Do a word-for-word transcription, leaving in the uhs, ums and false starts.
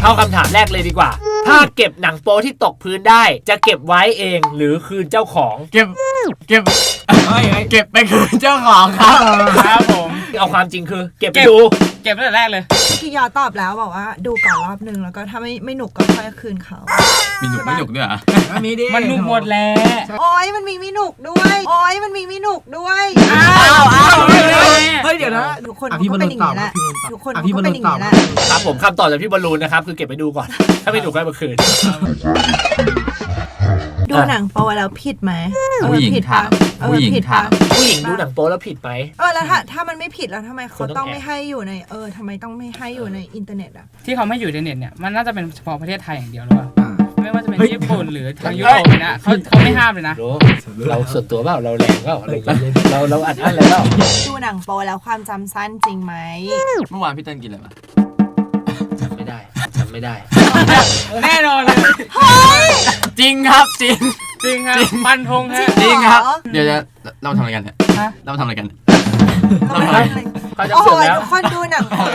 เข้าคำถามแรกเลยดีกว่าถ้าเก็บหนังโป๊ที่ตกพื้นได้จะเก็บไว้เองหรือคืนเจ้าของเก็บเก็บเก็บไปคืนเจ้าของครับครับผมเอาความจริงคือเก็บไปดูเก็บตั้งแต่แรกเลยเมื่อกี้ยอตอบแล้วบอกว่าดูก่อนรอบนึงแล้วก็ถ้าไม่ไม่หนุกก็ค่อยคืนเขามีหนุกไม่หนุกด้วยอ่ะมีดิมันหนุกหมดแล้วโอ้ยมันมีไม่หนุกด้วยโอ้ยมันมีไม่หนุกด้วยอ้าวอ้าวเฮ้ยเดี๋ยวนะทุกคนก็เป็นอย่างนี้แหละทุกคนก็เป็นอย่างนี้แหละครับผมคำตอบจากพี่บอลลูนนะครับคือเก็บไปดูก่อนถ้าไม่หนุกก็มาคืนดูหนังโป๊แล้วผิดไหมผู้หญิงถามผู้หญิงถามผู้หญิงดูหนังโป๊แล้วผิดไหมเออแล้วถ้าถ้ามันไม่ผิดแล้วทำไมเขาต้องไม่ให้อยู่ในเออทำไมต้องไม่ให้อยู่ในอินเทอร์เน็ตอ่ะที่เขาไม่อยู่ในเน็ตเนี่ยมันน่าจะเป็นเฉพาะประเทศไทยอย่างเดียวหรือเปล่าไม่ว่าจะเป็นญี่ปุ่นหรือทางยุโรปเลยนะเขาเขาไม่ห้ามเลยนะเราส่วนตัวเปล่าเราแรงเปล่าเราเราอัดอั้นเลยเปล่าดูหนังโป๊แล้วความจำสั้นจริงไหมเมื่อวานพี่เต้นกินอะไรมาจำไม่ได้จำไม่ได้แน่นอนเลยจริงครับจริงจริงครับปันธงฮะจริงครับเดี๋ยวจะเราทำอะไรกันเนี่ยเราทำอะไรกันเราทำอะไรเขาจะเสร็จแล้วทุกคนดูหนังโป๊